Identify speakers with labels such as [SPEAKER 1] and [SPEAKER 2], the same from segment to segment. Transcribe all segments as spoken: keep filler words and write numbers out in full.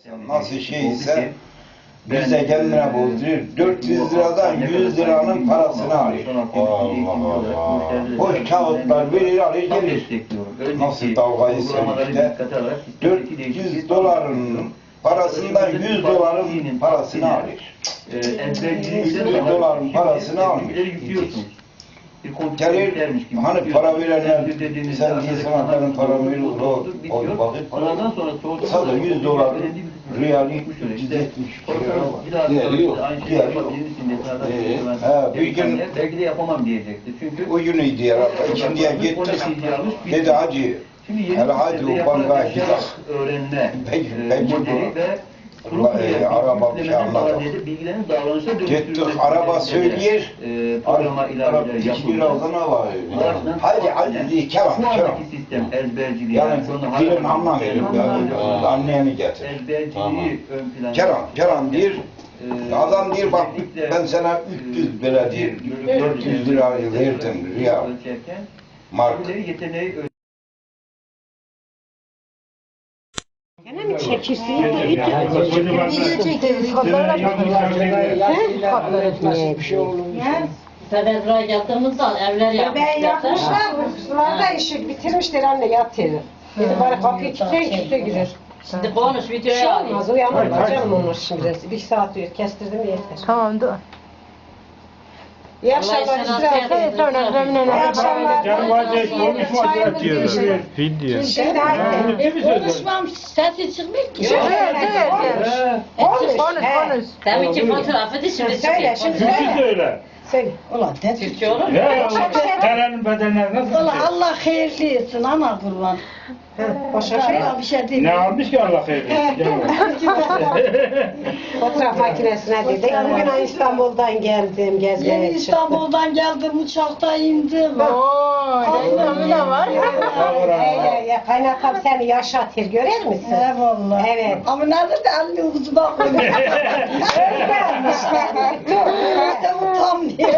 [SPEAKER 1] nasıl şeyse bize kendine bozduruyor. dört yüz liradan yüz liranın parasını alıyor. Allah Allah. Boş kağıtlar verir alır gelir. Nasıl dalgaysa işte. dört yüz doların parasından yüz doların parasını alır. yüz doların parasını almış. Gelir, hani para verenler, sen diye sanatların para verir, o, o vakit sadece yüz dolar riyali yüz yetmiş lira. Diğeri yok, diğeri yok. Ee, bir gün,
[SPEAKER 2] belki de yapamam diyecekti. Çünkü
[SPEAKER 1] o günüydü herhalde, ikindiye gittik, dedi hacı, hele hadi o bankaya gidelim. Peki, peki bu. E, araba bir şey anladım. Gittik, araba söylüyor, araba iki lira ne var? Hadi hadi diye kelam, kelam. Yani dilin anlamıyorum, anneyeni getir. Kelam, kelam diyor, adam diyor bak ben sana üç yüz lira diyor, dört yüz lira verdim riyal, mark.
[SPEAKER 3] Gene mi çekirsin? Video çekiyoruz. Fotoğraf etmeye.
[SPEAKER 4] Federal yaptığımızda evler yapmışlar.
[SPEAKER 3] Ben yapmışlar. Sularda işi bitirmişler anne yatıyor. Dedi bari kapıyı kilitleyin kimse girer.
[SPEAKER 4] Şimdi konuş
[SPEAKER 3] Bir
[SPEAKER 4] videoya
[SPEAKER 3] şey
[SPEAKER 4] alayım.
[SPEAKER 3] olmaz uyanırlar canım onlar şimdi. Bir saat uyur kestirdim yeter.
[SPEAKER 5] Tamam dur.
[SPEAKER 3] İyi akşamlar İsrail.
[SPEAKER 5] Sonra
[SPEAKER 3] İyi akşamlar.
[SPEAKER 6] Canım hadi konuşma diyor.
[SPEAKER 5] video.
[SPEAKER 3] Şimdi hadi.
[SPEAKER 4] Konuşmam sesi çıkmıyor ki.
[SPEAKER 3] Evet evet.
[SPEAKER 5] Konuş konuş.
[SPEAKER 4] Demin ki fotoğrafı da şimdi
[SPEAKER 3] Söyle
[SPEAKER 4] çıkıyor.
[SPEAKER 3] şimdi
[SPEAKER 6] Türkçe
[SPEAKER 3] söyle.
[SPEAKER 6] söyle.
[SPEAKER 3] Söyle.
[SPEAKER 7] Ulan ne
[SPEAKER 4] Türkçe olur mu?
[SPEAKER 6] Ya Terenin bedenleri nasıl?
[SPEAKER 7] Ulan Allah hayırlı etsin ana kurban.
[SPEAKER 3] Başka şey
[SPEAKER 7] Başka bir şey değil.
[SPEAKER 6] Ne almış ki Allah hayırlı?
[SPEAKER 3] Fotoğraf makinesine dedik. Bugün İstanbul'dan geldim gezmeye
[SPEAKER 7] Yeni
[SPEAKER 3] çıktım.
[SPEAKER 7] İstanbul'dan geldim uçakta indim.
[SPEAKER 5] Ooo, reklamı da var.
[SPEAKER 3] Ya, ya kaynatam seni yaşatır görür müsün?
[SPEAKER 7] Eyvallah.
[SPEAKER 3] Evet.
[SPEAKER 7] Ama nerede de elini uzuna koyuyor. İşte utanmıyor.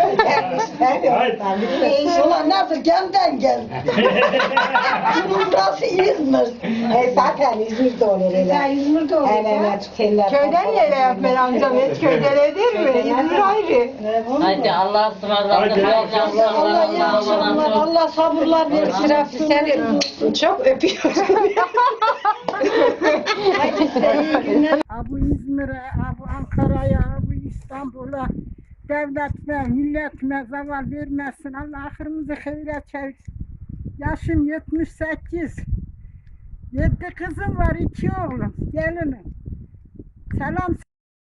[SPEAKER 7] Ulan nedir gelden gel. Bunun burası İzmir.
[SPEAKER 3] E, zaten İzmir'de olur öyle.
[SPEAKER 7] Sen İzmir'de olur.
[SPEAKER 3] Evet evet. Teller.
[SPEAKER 5] Köyden yere yapmayın amcam. Et köyden değil mi? İzmir ayrı.
[SPEAKER 4] Haydi Allah'a ısmarladık.
[SPEAKER 6] Haydi,
[SPEAKER 4] Hayırlı
[SPEAKER 7] Allah
[SPEAKER 4] akşamlar.
[SPEAKER 7] iyi akşamlar. Allah sabırlar versin.
[SPEAKER 3] Şirafi seni çok öpüyorum.
[SPEAKER 7] Hadi size iyi günler.
[SPEAKER 8] Bu İzmir'e, bu Ankara'ya, bu İstanbul'a devletime, milletime zaval vermesin. Allah ahırımızı hayra çevirsin. Yaşım yetmiş sekiz. Yedi kızım var, iki oğlum. Gelinim. Selam.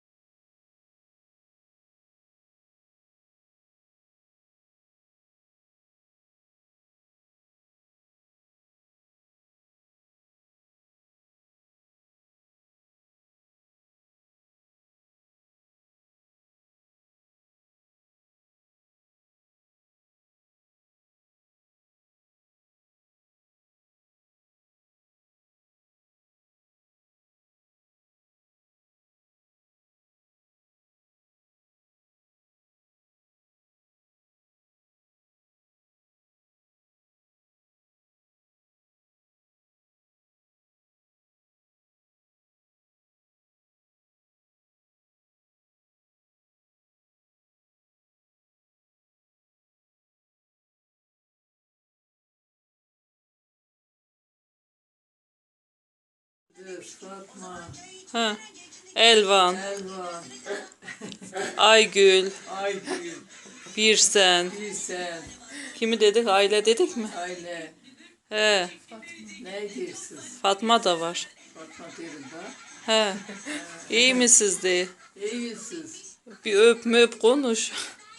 [SPEAKER 9] Fatma,
[SPEAKER 10] Ha. Elvan,
[SPEAKER 9] Elvan,
[SPEAKER 10] Aygül,
[SPEAKER 9] Aygül,
[SPEAKER 10] Birsen.
[SPEAKER 9] Gülsen,
[SPEAKER 10] Kimi dedik? Aile dedik mi?
[SPEAKER 9] Aile.
[SPEAKER 10] He.
[SPEAKER 9] Ne diyorsunuz?
[SPEAKER 10] Fatma da var.
[SPEAKER 9] Fatma derim bak.
[SPEAKER 10] He. İyi misiniz de?
[SPEAKER 9] İyisiniz.
[SPEAKER 10] Bir öp möp konuş.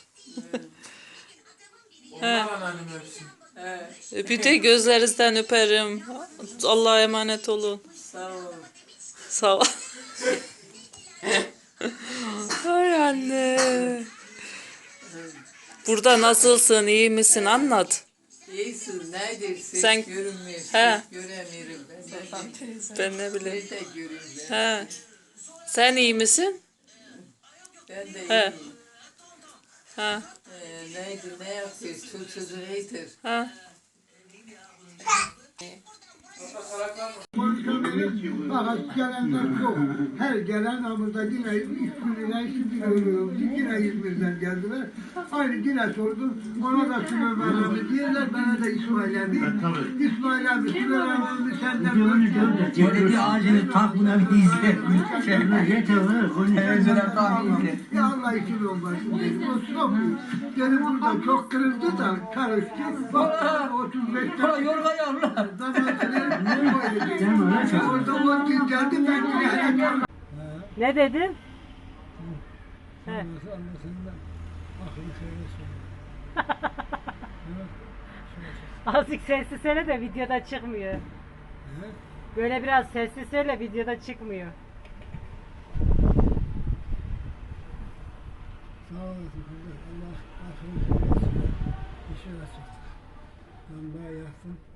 [SPEAKER 10] He.
[SPEAKER 9] He,
[SPEAKER 10] Bir de gözlerinizden öperim. Allah'a emanet olun.
[SPEAKER 9] sağ ol.
[SPEAKER 10] Sağ ol. Ay anne. Burada nasılsın? İyi misin? Anlat.
[SPEAKER 9] İyisin, nedir? Ses
[SPEAKER 10] Sen-
[SPEAKER 9] görünmüyor, ses
[SPEAKER 10] He.
[SPEAKER 9] göremiyorum ben.
[SPEAKER 10] Ben ne bileyim.
[SPEAKER 9] Nerede göreyim ben?
[SPEAKER 10] He. Sen iyi misin?
[SPEAKER 9] Ben de
[SPEAKER 10] He.
[SPEAKER 9] iyiyim.
[SPEAKER 10] Ha.
[SPEAKER 9] Ee, neydi, ne yapıyorsun? Çocuğu neydir?
[SPEAKER 10] Ha.
[SPEAKER 8] gelir. Fakat gelenler çok. Her gelen burada yine İzmir'den şimdi ölüyorum. Yine İzmir'den geldiler. Aynı yine sordum. Ona da Süleyman abi diyorlar. Bana da İsmail abi. İsmail abi Süleyman abi senden böyle.
[SPEAKER 11] Cenneti ağacını tak buna bir izle. Yeter onu. Televizyona tak izle.
[SPEAKER 8] Ya Allah için olmasın dedim. O çok iyi. Benim burada çok kırıldı da karıştı. Bak otuz beşte.
[SPEAKER 11] Hala yorga yavrular.
[SPEAKER 8] Orada o gün geldi ben yine.
[SPEAKER 5] Ne dedin?
[SPEAKER 8] He.
[SPEAKER 5] Azıcık sessiz söyle de videoda çıkmıyor. Böyle biraz sessiz söyle videoda çıkmıyor.
[SPEAKER 8] Sağ olasın kardeş. Allah aklını söylesin. İşe açık. Lamba yaksın.